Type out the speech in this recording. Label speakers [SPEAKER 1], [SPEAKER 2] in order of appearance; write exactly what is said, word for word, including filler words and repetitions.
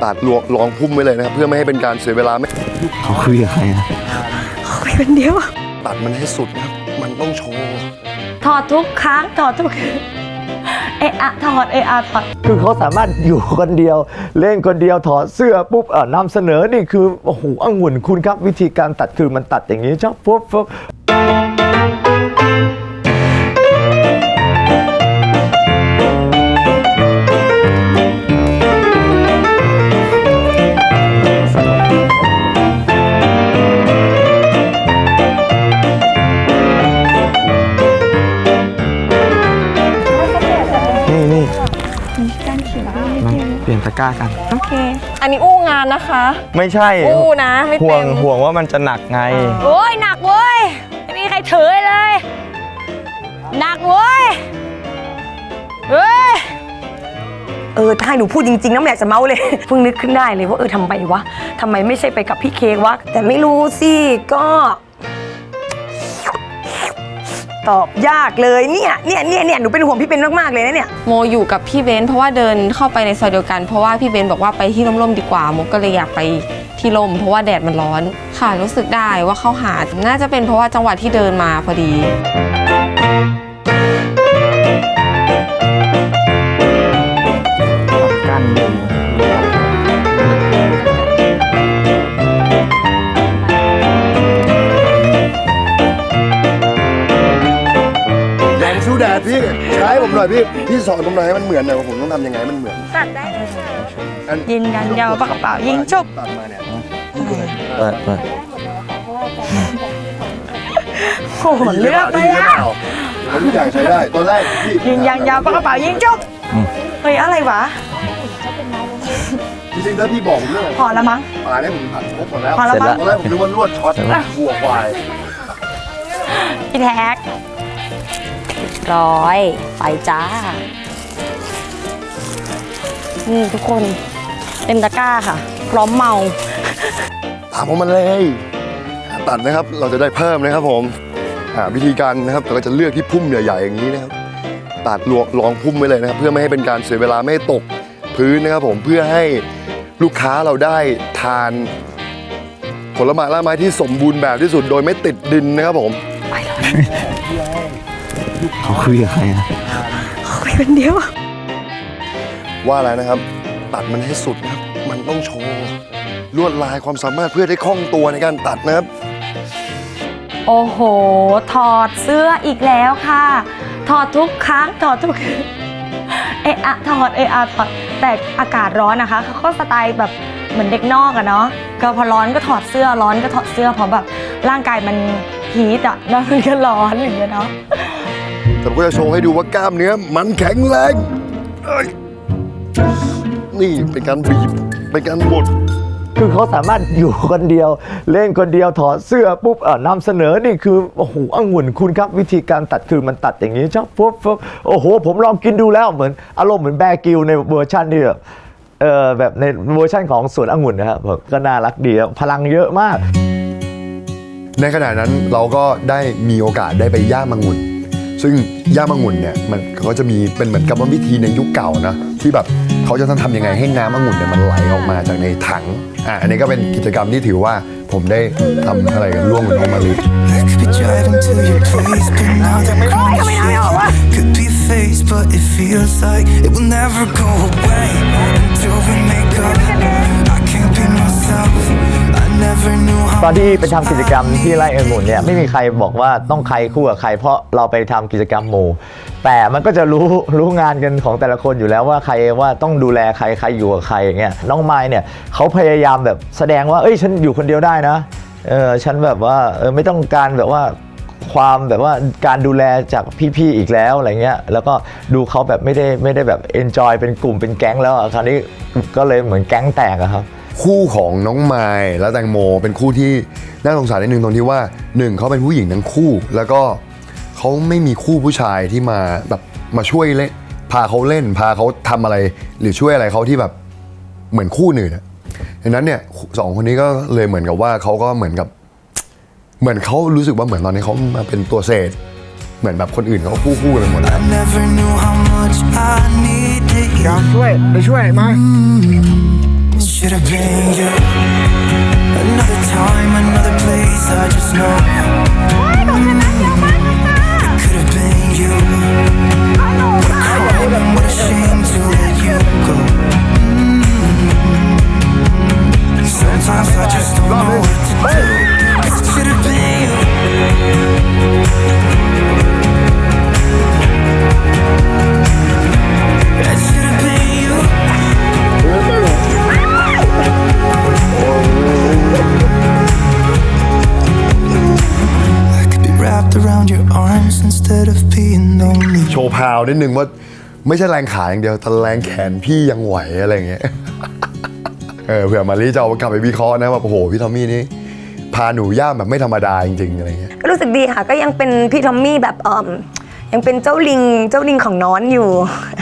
[SPEAKER 1] ตัดลองพุ่มไว้เลยนะครับเพื่อไม่ให้เป็นการเสียเวลาไม่
[SPEAKER 2] เขาคุยกับใครอะ
[SPEAKER 3] คุยคนเดียว
[SPEAKER 1] ตัดมันให้สุดนะครับมันต้องโชว์
[SPEAKER 3] ถอดทุกครั้งถอดทุกเอะอะถอดเอะอะถอด
[SPEAKER 2] คือเขาสามารถอยู่คนเดียวเล่นคนเดียวถอดเสื้อปุ๊บเออนำเสนอนี่คือโอ้โหองุ่นคุณครับวิธีการตัดคือมันตัดอย่างนี้ชอบปุ๊บปุ๊บเปลี่ยนตะกร้ากัน
[SPEAKER 3] โอเคอันนี้อู้งานนะคะ
[SPEAKER 2] ไม่ใช่
[SPEAKER 3] อู้นะไม่
[SPEAKER 2] ห่ว
[SPEAKER 3] เต็
[SPEAKER 2] ง
[SPEAKER 3] ม
[SPEAKER 2] ห่วงว่ามันจะหนักไง
[SPEAKER 3] โอ้ยหนักเว้ยไม่มีใครถือเลยหนักเว้ยเฮ้ยเออถ้าให้หนูพูดจริงๆนะไม่อยากจะเมาเลยเพิ่งนึกขึ้นได้เลยว่าเออทำไมวะทำไมไม่ใช่ไปกับพี่เค้กวะแต่ไม่รู้สิก็ตอบยากเลยเนี่ยเนี่ยเนี่ยเนี่ยหนูเป็นห่วงพี่เบนมากๆเลยนะเนี่ย
[SPEAKER 4] โมอยู่กับพี่เบนเพราะว่าเดินเข้าไปในซอยเดียวกันเพราะว่าพี่เบนบอกว่าไปที่ร่มๆดีกว่าโมก็เลยอยากไปที่ร่มเพราะว่าแดดมันร้อนค่ะรู้สึกได้ว่าเข้าหาน่าจะเป็นเพราะว่าจังหวะที่เดินมาพอดี
[SPEAKER 2] กัน
[SPEAKER 1] สู้แดดพี่ใช้ผมหน่อยพี่พี่สอนผมหน่อยให้มันเหมือนหน่อยว่าผมต้องทำยังไงมันเหมือน
[SPEAKER 3] ตัดได้เลยค่ะยิงยันยาวปากกระเป๋ายิงจบ
[SPEAKER 1] ตัดมาเนี่ย
[SPEAKER 2] เปิดเปิด
[SPEAKER 3] โอ้โหเลือกไปแล้ว
[SPEAKER 1] ผมทุกอย่างใช้ได้ตอนแรกพี่
[SPEAKER 3] ยิงยันยาวปากกระเป๋ายิงจบเฮ้ยอะไรวะ
[SPEAKER 1] จริงๆถ้าพี่บอกผมเรื่อง
[SPEAKER 3] พอแล้วมั้ง
[SPEAKER 1] ปลาเนี่ยผมผัดครบหมดแล้ว
[SPEAKER 3] พอแล้วมั้ง
[SPEAKER 1] ตอนแรกผมนึกว่าลวดช็อตบัวควาย
[SPEAKER 3] พี่แท็กร้อยไปจ้านี่ทุกคนเต็มตะกร้าค่ะพร้อมเมา
[SPEAKER 1] ตามผมมาเลยตัดนะครับเราจะได้เพิ่มนะครับผมวิธีการนะครับเราก็จะเลือกที่พุ่มใหญ่ๆอย่างนี้นะครับตัดลองพุ่มไว้เลยนะครับเพื่อไม่ให้เป็นการเสียเวลาไม่ตกพื้นนะครับผมเพื่อให้ลูกค้าเราได้ทานผลไม้ละไม้ที่สมบูรณ์แบบที่สุดโดยไม่ติดดินนะครับผม
[SPEAKER 3] ไปเลย
[SPEAKER 2] เขาคุยกับใครอะ
[SPEAKER 3] คุยคนเดียว
[SPEAKER 1] ว่าแล้วนะครับตัดมันให้สุดนะครับมันต้องโชว์ลวดลายความสามารถเพื่อได้คล่องตัวในการตัดนะครับ
[SPEAKER 3] โอ้โหถอดเสื้ออีกแล้วค่ะถอดทุกครั้งถอดทุกเอะอะถอดเอะอะถอดแต่อากาศร้อนนะคะเขาก็สไตล์แบบเหมือนเด็กนอกอะเนาะก็พอร้อนก็ถอดเสื้อร้อนก็ถอดเสื้อเพราะแบบร่างกายมันฮีทอะแล้วมันก็ร้อนอย่างเงี้ยเนาะ
[SPEAKER 1] แต่ก็จะโชว์ให้ดูว่ากล้ามเนื้อมันแข็งแรงนี่เป็นการบีบเป็นการบด
[SPEAKER 2] คือเขาสามารถอยู่คนเดียวเล่นคนเดียวถอดเสื้อปุ๊บเออนำเสนอนี่คือโอ้โหองุ่นคุณครับวิธีการตัดคือมันตัดอย่างนี้ชอบปุ๊บปุ๊บโอ้โหผมลองกินดูแล้วเหมือนอารมณ์เหมือนแบร์กิลในเวอร์ชันที่แบบเออแบบในเวอร์ชันของสวนองุ่นนะครับก็น่ารักดีพลังเยอะมาก
[SPEAKER 1] ในขณะนั้นเราก็ได้มีโอกาสได้ไปย่างองุ่นซึ่งย่างองุ่นเนี่ยมันเขาจะมีเป็นเหมือนกับวิธีในยุคเก่านะที่แบบเขาจะต้องทำยังไงให้น้ำองุ่นเนี่ยมันไหลออกมาจากในถังอ่ะอันนี้ก็เป็นกิจกรรมที่ถือว่าผมได้ทำอะไรกันร่วมกับน้องมาลี
[SPEAKER 2] ตอนที่ไปทำกิจกรรมที่ไร่องุ่นเนี่ยไม่มีใครบอกว่าต้องใครคู่กับใครเพราะเราไปทำกิจกรรมหมู่แต่มันก็จะรู้รู้งานกันของแต่ละคนอยู่แล้วว่าใครว่าต้องดูแลใครใครอยู่กับใครอย่างเงี้ยน้องไมค์เนี่ยเขาพยายามแบบแสดงว่าเอ้ยฉันอยู่คนเดียวได้นะเออฉันแบบว่าเออไม่ต้องการแบบว่าความแบบว่าการดูแลจากพี่ๆอีกแล้วอะไรเงี้ยแล้วก็ดูเขาแบบไม่ได้ไม่ได้แบบเอนจอยเป็นกลุ่มเป็นแก๊งแล้วคราวนี้ก็เลยเหมือนแก๊งแตกอะครับ
[SPEAKER 1] คู่ของน้องไมล์และแตงโมเป็นคู่ที่น่าสงสารนิดนึงตรงที่ว่าหนึ่งเขาเป็นผู้หญิงทั้งคู่แล้วก็เขาไม่มีคู่ผู้ชายที่มาแบบมาช่วยเล่นพาเขาเล่นพาเขาทำอะไรหรือช่วยอะไรเขาที่แบบเหมือนคู่หนึ่งดังนั้นเนี่ยสองคนนี้ก็เลยเหมือนกับว่าเขาก็เหมือนกับเหมือนเขารู้สึกว่าเหมือนตอนนี้เขามาเป็นตัวเศษเหมือนแบบคนอื่นเขาคู่คู่กันหมดแล้ว
[SPEAKER 5] อยากช่วยไปช่วยมา been you. Another time, another place, I just know. It could have been you. What a crime and what a shame to let you go. Sometimes I just don't know what to do. It should have been you. It should have been you. I could be wrapped around your arms instead of being lonely.
[SPEAKER 1] โชว์พาวนิดนึงว่าไม่ใช่แรงขาอย่างเดียวแต่แรงแขนพี่ยังไหวอะไรอย่างเงี้ย เออเผื่อมารีจะเอากลับไปวิเคราะห์นะว่าโอ้โหพี่ทอมมี่นี่พาหนูย่ามแบบไม่ธรรมดาจริงๆอะไรเงี้ย
[SPEAKER 3] ก็รู้สึกดีค่ะ ก็ยังเป็นพี่ทอมมี่แบบเออยังเป็นเจ้าลิงเจ้าลิงของน้อนอยู่